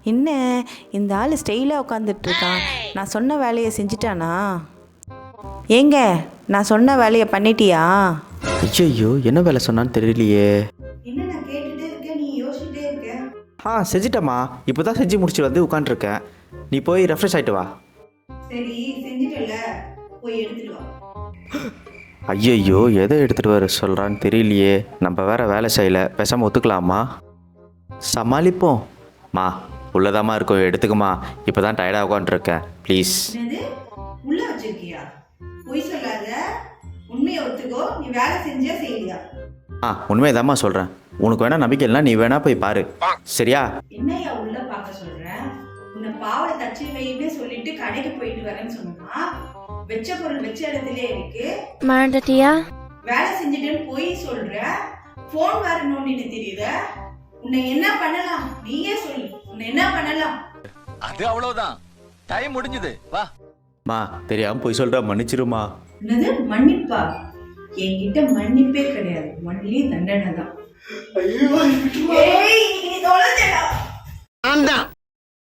என்ன இந்த ஆள் ஸ்டைலாக உட்காந்துட்ருக்கான்? நான் சொன்ன வேலையை செஞ்சிட்டானா? ஏங்க, நான் சொன்ன வேலையை பண்ணிட்டியா? ஐயோ, என்ன வேலை சொன்னான்னு தெரியலையே. என்ன நான் கேட்டுட்டே இருக்கேன், நீ யோசிச்சுட்டே இருக்க. செஞ்சிட்டம்மா. இப்போ தான் செஞ்சு முடிச்சு வந்து உட்காந்துருக்கேன். நீ போய் ரெஃப்ரெஷ் ஆகிட்டு வா. சரி, செஞ்சுட்டல, போய் எடுத்துட்டு வா. ஐயோ, எதை எடுத்துகிட்டு வர சொல்கிறான்னு தெரியலையே. நம்ம வேற வேலை செய்யலை, பேசாமல் ஒத்துக்கலாமா? சமாளிப்போம். மா, உள்ளதாம்மா இருக்கும், எடுத்துக்குமா. இப்போ தான் டயர்டாக உட்காந்துருக்கேன், ப்ளீஸ். உள்ள வச்சிருக்கியா? பொய் சொல்லாத, உண்மையை ஒத்துக்கோ. நீ வேலை செஞ்சியா செய்யலையா? உண்மையதாம்மா சொல்கிறேன். உனக்கு வேணா நம்பிக்கை இல்லைனா நீ வேணா போய் பாரு, சரியா? என்னையா உள்ள பார்க்க சொல்கிறேன்? உன்னை பாவலை தச்சு வைன்னு சொல்லிட்டு கடைக்கு போயிட்டு வரேன்னு சொன்னா, வெச்ச பொருள் வெச்ச இடத்துல இருக்கு. மறந்துட்டியா? வேலை செஞ்சுட்டேன்னு போய் சொல்ற. போன் வேற நோண்டிட்டு தெரியுத. உன்னை என்ன பண்ணலாம்? நீயே சொல்லு, உன்னை என்ன பண்ணலாம்? அது அவ்வளவுதான், டைம் முடிஞ்சது, வா. மா, தெரியாம போய் சொல்ற, மன்னிச்சிருமா. என்னது மன்னிப்பா? என்கிட்ட மன்னிப்பே கிடையாது, ஒன்லி தண்டனை தான். ஐயோ, நீ தொலைஞ்சடா.